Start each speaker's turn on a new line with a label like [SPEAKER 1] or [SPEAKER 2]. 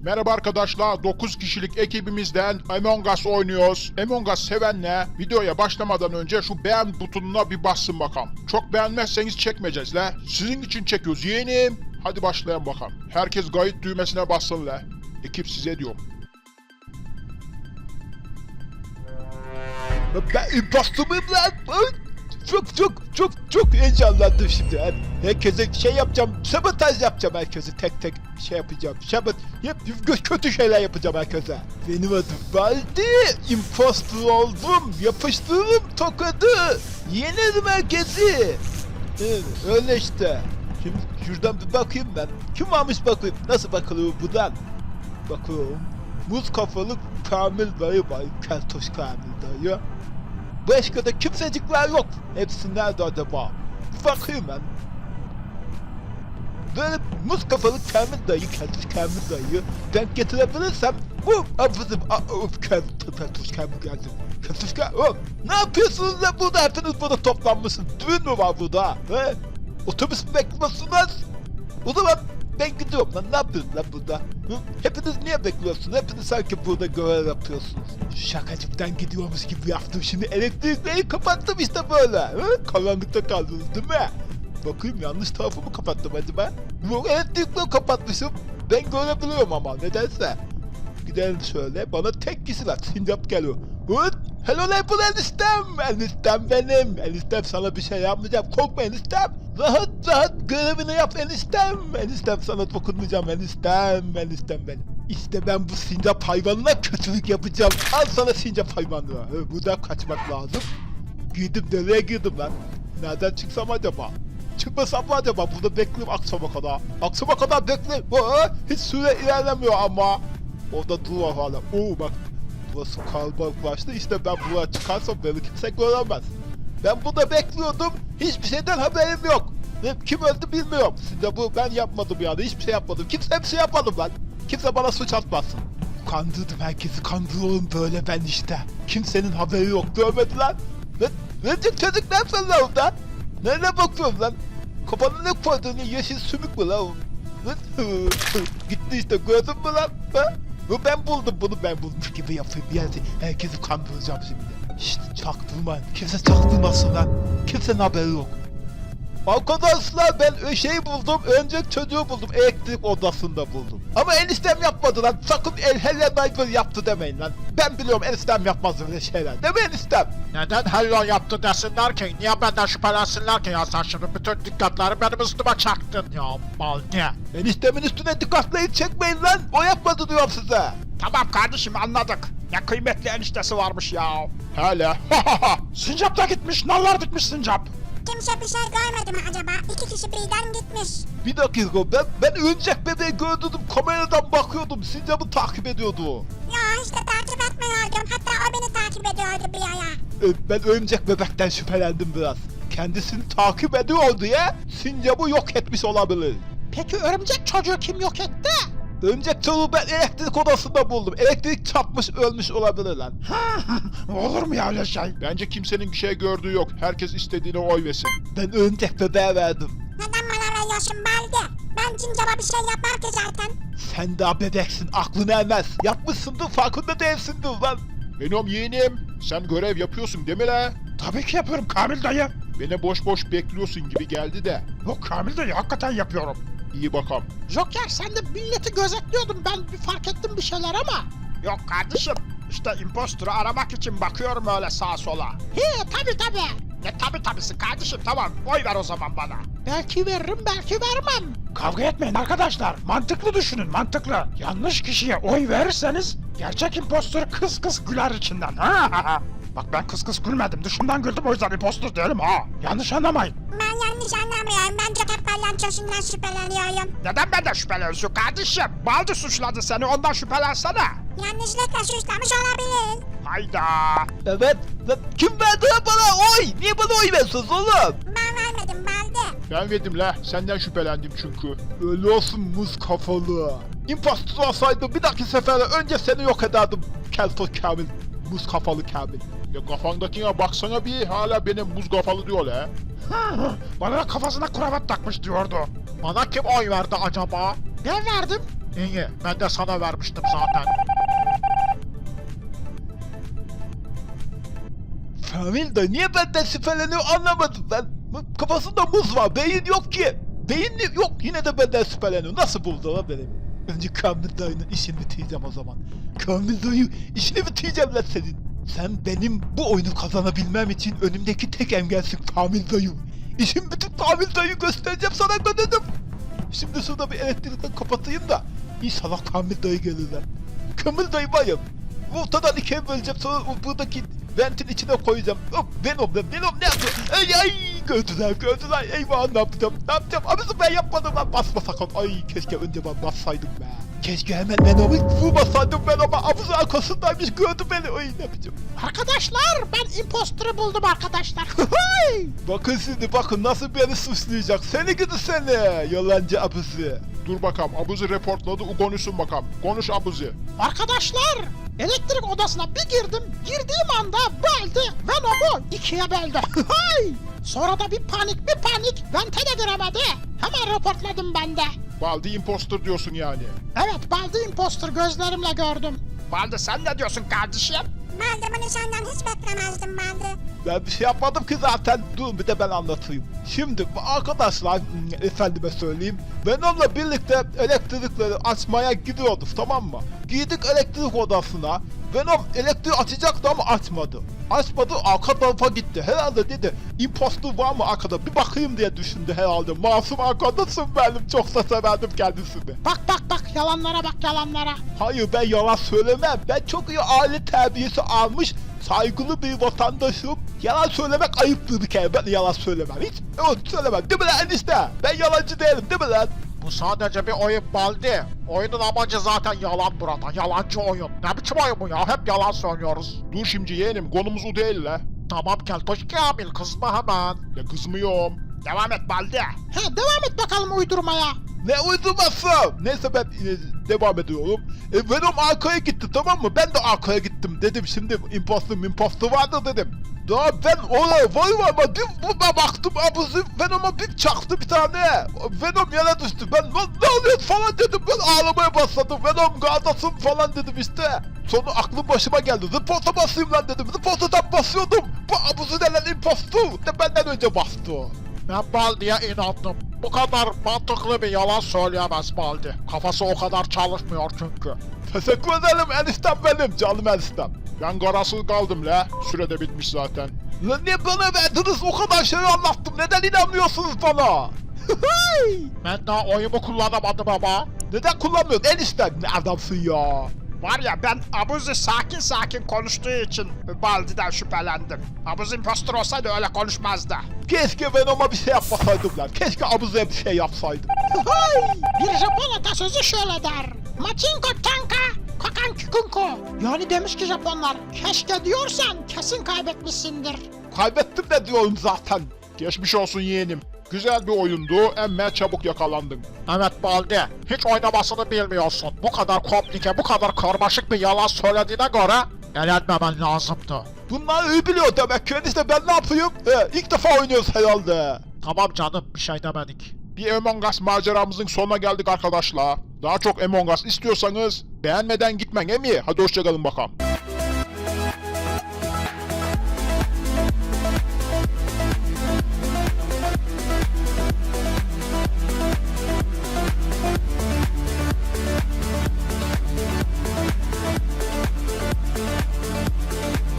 [SPEAKER 1] Merhaba arkadaşlar, 9 kişilik ekibimizden Among Us oynuyoruz. Among Us sevenle videoya başlamadan önce şu beğen butonuna bir bassın bakalım. Çok beğenmezseniz çekmeyeceğiz la. Sizin için çekiyoruz yeğenim. Hadi başlayalım bakalım. Herkes kayıt düğmesine bassın la. Ekip size diyorum.
[SPEAKER 2] Ben impostor muyum lan? Çok heyecanlandım şimdi. Yani herkese şey yapacağım, sabotaj yapacağım herkese, tek tek şey yapacağım. Kötü şeyler yapacağım herkese. Benim adım Baldi, impostor oldum, yapıştırdım tokadı, yenerim herkesi. Evet, öyle işte. Şimdi şuradan bir bakayım ben. Kim varmış bakayım, nasıl bakılıyor buradan? Bakıyorum. Muz kafalı Kamil dayı var, Keltoş Kamil dayı. Başka da kimsecikler yok. Hepsi nerede acaba? Bakayım ben. Böyle muz kafalı Kamil dayı, Keltoş Kamil dayı denk getirebilirsem Keltoş Kamil geldi. Keltoş Kamil, ne yapıyorsunuz lan burada? Hepiniz burada toplanmışsınız. Düğün mü var burada? He? Otobüs mü bekliyorsunuz? O zaman ben gidiyorum lan, ne yapıyorsun lan burada? Hı? Hepiniz niye bekliyorsunuz? Hepiniz sanki burada görev yapıyorsunuz. Şakacıktan gidiyormuş gibi yaptım, şimdi elektrikleri kapattım işte böyle. Hı? Karanlıkta kaldınız değil mi? Bakayım, yanlış tarafı mı kapattım acaba? Yok, elektrikleri kapatmışım. Ben görebiliyorum ama nedense. Gidelim şöyle, bana tek kişi var, sincap geliyor. Hı? Hello lan, bu eniştem! Eniştem benim! Eniştem, sana bir şey yapmayacağım, korkma eniştem! Rahat görevini yap eniştem! Eniştem, sana dokunmayacağım eniştem benim! İşte ben bu sincap hayvanına kötülük yapacağım! Al sana sincap hayvanı! Buradan kaçmak lazım! Nereye girdim lan? Nereden çıksam acaba? Çıkmasam mı acaba? Burada bekleyeyim akşama kadar! Akşama kadar bekleyeyim! Hiç süre ilerlemiyor ama! Orada dur hala! Bak! Burası kalabalıklaştı, işte ben buraya çıkarsam beni kimse göremez. Ben burada bekliyordum, hiçbir şeyden haberim yok. Kim öldü bilmiyorum. Size bu ben yapmadım yani, hiçbir şey yapmadım. Kimse bir şey yapmadım lan. Kimse bana suç atmasın. Kandırdım herkesi, kandırıyorum böyle ben işte. Kimsenin haberi yok, görmedi lan. Ne çocuk, ne yapıyorsun lan orada? Nereye bakıyorsun lan? Kafanı ne koyduğunu, yeşil sümük mü lan? Gitti işte, gördün mü lan? Ha? Ben buldum bunu, ben bulmuş gibi yapayım yani, herkesi kandıracağım şimdi. Şşt, çaktırma, kimse çaktırmasın lan, kimsenin haberi yok. Arkadaşlar, ben şeyi buldum, önce çocuğu buldum, elektrik odasında buldum. Ama eniştem yapmadı lan, sakın Hello Neighbor yaptı demeyin lan. Ben biliyorum, eniştem yapmaz öyle şeyler, değil mi eniştem?
[SPEAKER 3] Neden Hello yaptı desinler ki? Niye benden şüphelensinler ki ya? Sen şimdi bütün dikkatleri benim üstüme çaktın ya, Baldi.
[SPEAKER 2] Eniştemin üstüne dikkatleri çekmeyin lan, o yapmadı diyorum size.
[SPEAKER 3] Tamam kardeşim, anladık. Ne kıymetli eniştesi varmış ya.
[SPEAKER 1] Hala.
[SPEAKER 3] Sincap da gitmiş, nallar dikmiş Sincap.
[SPEAKER 4] Kimse bir şey görmedi mi acaba? 2 kişi birden gitmiş.
[SPEAKER 2] Bir dakika, ben örümcek bebeği gördüm, kameradan bakıyordum, sincapı takip ediyordu.
[SPEAKER 4] Ya işte takip etmiyordum. Hatta o beni takip ediyordu bir ara.
[SPEAKER 2] Ben örümcek bebekten şüphelendim biraz. Kendisini takip ediyor diye sincapı yok etmiş olabilir.
[SPEAKER 3] Peki örümcek çocuğu kim yok etti?
[SPEAKER 2] Örümcek çocuğu ben elektrik odasında buldum. Elektrik çarpmış, ölmüş olabilir lan.
[SPEAKER 3] Olur mu ya öyle şey?
[SPEAKER 1] Bence kimsenin bir şey gördüğü yok. Herkes istediğine oy versin.
[SPEAKER 2] Ben örümcek bebeğe verdim.
[SPEAKER 4] Neden bana veriyorsun Baldi? Ben Cincap'a bir şey yapmam ki zaten.
[SPEAKER 2] Sen daha bebeksin, aklın ermez. Yapmışsındır, farkında değilsindir lan.
[SPEAKER 1] Benim yeğenim, sen görev yapıyorsun değil mi la?
[SPEAKER 3] Tabii ki yapıyorum Kamil dayı.
[SPEAKER 1] Beni boş boş bekliyorsun gibi geldi de.
[SPEAKER 3] Yok Kamil dayı, hakikaten yapıyorum.
[SPEAKER 1] İyi bakalım.
[SPEAKER 3] Joker, sen de milleti gözetliyordun, ben bir fark ettim bir şeyler ama. Yok kardeşim, işte imposter'ı aramak için bakıyorum öyle sağa sola. He tabi. Ne tabisi kardeşim, tamam, oy ver o zaman bana. Belki veririm, belki vermem. Kavga etmeyin arkadaşlar, mantıklı düşünün, mantıklı. Yanlış kişiye oy verirseniz gerçek imposter kıs kıs güler içinden. Bak ben kıs kıs gülmedim, dışımdan güldüm, o yüzden imposter değilim ha. Yanlış anlamayın.
[SPEAKER 4] Ben yanlış anlamıyorum. Ben Joker palyaçosundan şüpheleniyorum.
[SPEAKER 3] Neden benden şüpheleniyorsun kardeşim? Baldi suçladı seni, ondan şüphelensene.
[SPEAKER 4] Yanlışlıkla suçlamış olabilir.
[SPEAKER 3] Hayda.
[SPEAKER 2] Evet, lan kim verdi lan bana oy? Niye bana oy veriyorsunuz oğlum?
[SPEAKER 4] Ben vermedim Baldi.
[SPEAKER 1] Ben verdim la. Senden şüphelendim çünkü.
[SPEAKER 2] Öyle olsun muz kafalı. İmpostor olsaydım bir dahaki sefere önce seni yok ederdim. Keltoş Kamil, muz kafalı Kamil.
[SPEAKER 1] Ya kafandakine baksana bir, hala benim buz kafalı diyor la.
[SPEAKER 3] Bana da kafasına kravat takmış diyordu. Bana kim oy verdi acaba? Ben verdim. İyi, ben de sana vermiştim zaten.
[SPEAKER 2] Kamil dayı niye benden şüpheleniyor anlamadım ben. Kafasında muz var, beyin yok ki. Beyin yok, yine de benden şüpheleniyor. Nasıl buldu lan benim? Önce Kamil dayının işini bitireceğim o zaman. Kamil dayı işini bitireceğim lan senin. Sen benim bu oyunu kazanabilmem için önümdeki tek engelsin Kamil dayı. İşim bitip Kamil dayı göstereceğim sana dedim. Şimdi şurada bir elektrikten kapatayım da İnşallah Kamil dayı gelirler. Kamil dayı bayım. Ortadan ikiye böleceğim, sonra buradaki ventin içine koyacağım. Hop, Venom ne yapıyor? Ay gördüler. Eyvah ne yapacağım? Abisi ben yapmadım lan, basma sakın. Ay keşke önce ben bassaydım be. Keşke hemen Venom'u vurmasaydım, Venom'a abisi arkasındaymış, gördü beni. Ay ne yapacağım?
[SPEAKER 3] Arkadaşlar ben imposter'ı buldum arkadaşlar.
[SPEAKER 2] Bakın şimdi, bakın nasıl beni suçlayacak. Seni gidi seni, yalancı abisi.
[SPEAKER 1] Dur bakalım, Abuzi reportladı, konuşsun bakalım. Konuş Abuzi.
[SPEAKER 3] Arkadaşlar elektrik odasına bir girdim. Girdiğim anda Baldi Venom'u ikiye böldü. Sonra da bir panik. Vente de giremedi. Hemen raportladım ben de.
[SPEAKER 1] Baldi imposter diyorsun yani.
[SPEAKER 3] Evet, Baldi imposter gözlerimle gördüm. Baldi sen ne diyorsun kardeşim?
[SPEAKER 4] Ben de bunu senden hiç beklemezdim Baldi.
[SPEAKER 2] Ben bir şey yapmadım ki zaten. Dur bir de ben anlatayım. Şimdi arkadaşlar, efendime söyleyeyim. Venom'la birlikte elektrikleri açmaya gidiyorduk, tamam mı? Girdik elektrik odasına. Venom elektriği açacaktı ama açmadı. Açmadı, arka tarafa gitti. Herhalde dedi impostor var mı arkada, bir bakayım diye düşündü herhalde. Masum arkadaşım benim, çok da severdim kendisini.
[SPEAKER 3] Bak yalanlara bak yalanlara.
[SPEAKER 2] Hayır, ben yalan söylemem. Ben çok iyi aile terbiyesi almış, saygılı bir vatandaşım. Yalan söylemek ayıptır bir kere. Ben yalan söylemem. Hiç söylemem. Değil mi lan enişte? Ben yalancı değilim, değil mi lan?
[SPEAKER 3] Bu sadece bir oyun Baldi. Oyunun amacı zaten yalan burada. Yalancı oyun. Ne biçim oyun bu ya? Hep yalan söylüyoruz.
[SPEAKER 1] Dur şimdi yeğenim, konumuz o değil la.
[SPEAKER 3] Tamam Keltoş Kamil, kızma hemen.
[SPEAKER 1] Ya kızmıyorum.
[SPEAKER 3] Devam et Baldi. He, devam et bakalım uydurmaya.
[SPEAKER 2] Ne uydurması? Neyse ben devam ediyorum. Venom arkaya gitti, tamam mı? Ben de arkaya gittim dedim. Şimdi imposter vardı dedim. Daha ben oraya var ama bir baktım abuzi Venom'a bir çaktı bir tane. Venom yere düştü. Ben ne oluyor falan dedim. Ben ağlamaya başladım. Venom gardasın falan dedim işte. Sonra aklım başıma geldi. Report'a basayım lan dedim. Report'a basıyordum. Bu abuzi denen imposter de benden önce bastı.
[SPEAKER 3] Ben Baldi'ye inandım. Bu kadar mantıklı bir yalan söyleyemez Baldi. Kafası o kadar çalışmıyor çünkü.
[SPEAKER 2] Teşekkür ederim eniştem benim, canım eniştem.
[SPEAKER 1] Ben karasız kaldım la. Sürede bitmiş zaten.
[SPEAKER 2] Lan niye bana verdiniz, o kadar şey anlattım, neden inanmıyorsunuz bana?
[SPEAKER 3] Ben daha oyumu kullanamadım ama.
[SPEAKER 2] Neden kullanmıyorsun eniştem, ne adamsın ya?
[SPEAKER 3] Var ya, ben Abuzi sakin konuştuğu için Baldi'den şüphelendim. Abuzi impostor olsaydı öyle konuşmazdı.
[SPEAKER 2] Keşke Venom'a bir şey yapmasaydım lan, keşke Abuzi'ye bir şey yapsaydım.
[SPEAKER 3] Bir Japon atasözü şöyle der. Machinko tanka, kakan kikunko. Yani demiş ki Japonlar, keşke diyorsan kesin kaybetmişsindir.
[SPEAKER 2] Kaybettim de diyorum zaten.
[SPEAKER 1] Geçmiş olsun yeğenim. Güzel bir oyundu, emme çabuk yakalandın.
[SPEAKER 3] Evet Baldi, hiç oynamasını bilmiyorsun. Bu kadar komplike, bu kadar karmaşık bir yalan söylediğine göre elenmemen lazımdı.
[SPEAKER 2] Bunlar iyi biliyor demek ki enişte, ben ne yapayım? İlk defa oynuyoruz herhalde.
[SPEAKER 3] Tamam canım, bir şey demedik.
[SPEAKER 1] Bir Among Us maceramızın sonuna geldik arkadaşlar. Daha çok Among Us istiyorsanız beğenmeden gitmen emi. Hadi hoşçakalın bakalım.